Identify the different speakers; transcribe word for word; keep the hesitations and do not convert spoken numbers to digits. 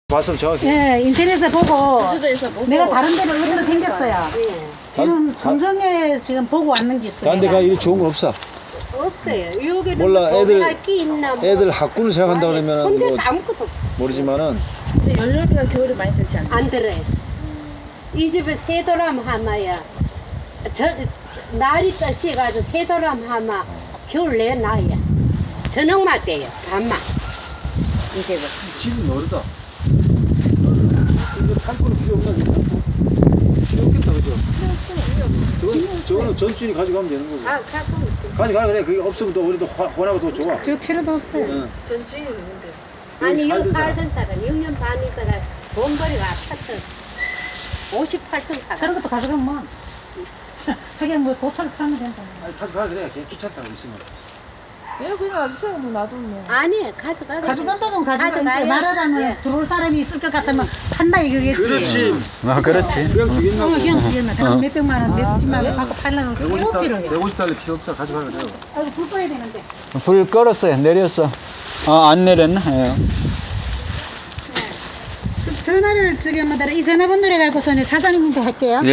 Speaker 1: 봤어 정확히.
Speaker 2: 예, 인터넷에 보고
Speaker 3: 제주도에서 보고
Speaker 2: 내가 다른 데를 어디로 생겼어요.
Speaker 3: 예.
Speaker 2: 지금
Speaker 1: 가-
Speaker 2: 송정에 지금 보고 왔는 게 있어요.
Speaker 1: 다른 데가 이리 좋은 건 없어.
Speaker 3: 없어요. 여기는
Speaker 1: 몰라, 애들-
Speaker 3: 할게 있나 뭐.
Speaker 1: 애들 학군을 생각한다 그러면
Speaker 3: 손들
Speaker 1: 뭐
Speaker 3: 아무것도 없어.
Speaker 1: 모르지만은
Speaker 4: 근데 연료비가 겨울에 많이 들지 않나요?
Speaker 3: 안 들어요. 이 집에 세도람 하마야. 저 날이 떠시가지고 세도람 하마 겨울 내 나야. 저녁만 때요. 밤만. 이 집은.
Speaker 1: 집이 어리다. 이거 탈 거는 필요 없나? 필요 없겠다 그죠? 저건, 저거는 전주인이 가져가면 되는 거고.
Speaker 3: 가 가끔
Speaker 1: 가져가 그래. 그게 없으면 또 우리도 화- 혼하고 더 좋아.
Speaker 2: 저 필요도 없어요.
Speaker 1: 응.
Speaker 4: 전주인은 있는데.
Speaker 3: 아니 요
Speaker 1: 살던 사람.
Speaker 3: 살던 사람 육 년 반 있다가 돈벌이가 아팠던 오십팔 톤 사람.
Speaker 2: 저런 것도 가져가면 뭐. 하긴 뭐 도철 파면 된다.
Speaker 1: 아니 가져가 그래. 그냥 귀찮다고 있으면.
Speaker 4: 얘 그냥 기사가 뭐 놔뒀네.
Speaker 3: 아니 가져가.
Speaker 2: 가져간다면 가져가지.
Speaker 3: 가져가요.
Speaker 2: 말하자면
Speaker 3: 예.
Speaker 2: 들어올 사람이 있을 것 같으면 판다 이거겠지.
Speaker 1: 그렇지.
Speaker 5: 아, 그렇지.
Speaker 1: 그냥
Speaker 2: 어,
Speaker 1: 주겠나고.
Speaker 2: 그냥 주겠나.
Speaker 5: 어.
Speaker 2: 몇백만 원, 몇십만 원 받고 팔려면
Speaker 1: 백오십
Speaker 2: 꼭
Speaker 1: 달러,
Speaker 2: 필요해.
Speaker 1: 백오십 달러 필요 없다. 가져가 그래요.
Speaker 2: 아이고, 불 꺼야 되는데.
Speaker 5: 불 끌었어요. 내렸어. 아, 안 내렸나? 예.
Speaker 2: 전화를 지금 이 전화번호를 갖고서는 사장님한테 할게요.
Speaker 5: 예.